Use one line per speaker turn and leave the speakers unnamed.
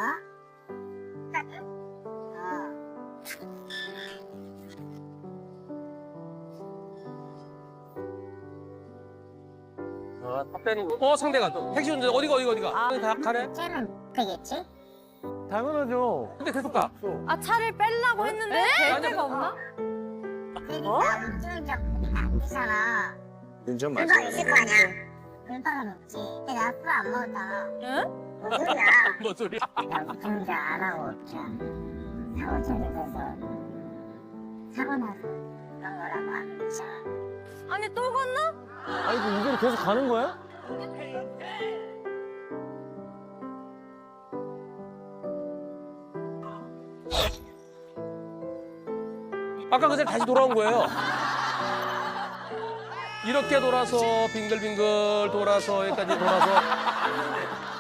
상대가 또 택시 운전 어디가? 다 가네?
쟤는 되겠지?
당연하죠.
근데 계속 가.
아 차를 빼려고 했는데 될 데가 없나?
그러니까 운전적 안 되잖아.
운전
그거 있을 거 아니야? 물방울 없지. 근데 나 술 안 먹었잖아.
응?
뭔 소리야?
뭔 소리야?
나 운전 안 하고 그냥 사고 쳐서 사고 나서 그런 거라고 하면 되잖아.
아니 또 건너?
아니, 이대로 계속 가는 거야?
아까 그 자리 다시 돌아온 거예요. 이렇게 돌아서 빙글빙글 돌아서 여기까지 돌아서